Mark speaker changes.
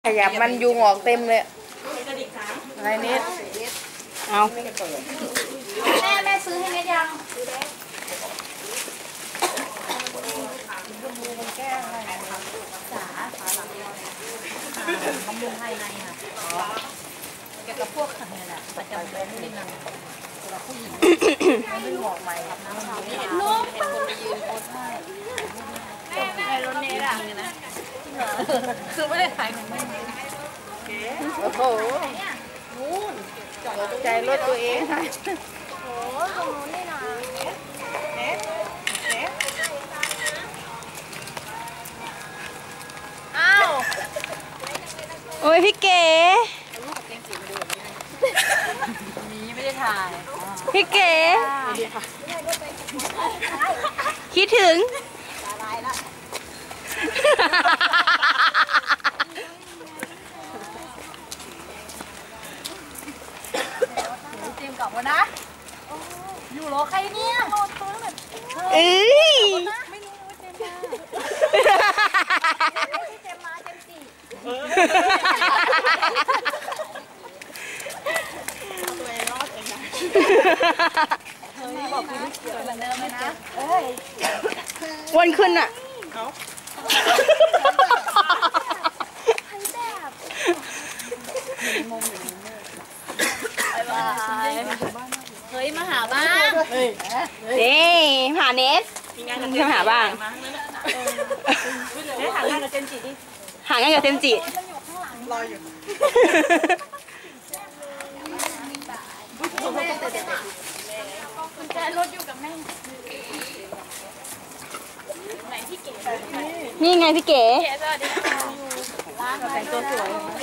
Speaker 1: ขยับมันยุงออกเต็มเลยอะไรนิดเอา
Speaker 2: แม่ซื้อให้เม็ดยังจ๋าบำรุงภายในค่ะเกี่ยวกับพวกเนี่ยแหละประจำเดือนนิดนึงสำหรับผู้หญิงไม่บอกใหม่ครับน้ำขาวลูกเป็นคนไปยืนโพสให้แม่รถเนร่ะคือไม่ได้ขายของแม่
Speaker 1: โอ้โหตกใจรถตัวเองค่ะ
Speaker 2: โอ้ตรงนู้นนี่นะอ้าว
Speaker 1: โอ้ยพี่เก๋
Speaker 2: มีไม่ได้ถ่าย
Speaker 1: พี่เก๋คิดถึง
Speaker 2: เตรียมกลับมานะอยู่รอใครเนี่ยรอตัวแบบ
Speaker 1: เอ้ย
Speaker 2: ไม่รู้ว่าเจมมาเจมสี่ตัวเองรอดเองนะเฮ้ยบอกคุณเกิดเหมือนเดิมเลยนะ
Speaker 1: วนขึ้นอ่ะ
Speaker 2: เฮ้ยมาหาบ้าง
Speaker 1: นี่หาเนสจะหาบ้าง
Speaker 2: หางานกับเจนจิดิ
Speaker 1: หางานกับเจนจิ
Speaker 2: รออยู่กุญแจรถอยู่กับแม่ไหนพี่เก๋
Speaker 1: นี่ไงพี่เก๋
Speaker 2: สวัสดีค่ะแต่งตัวสวย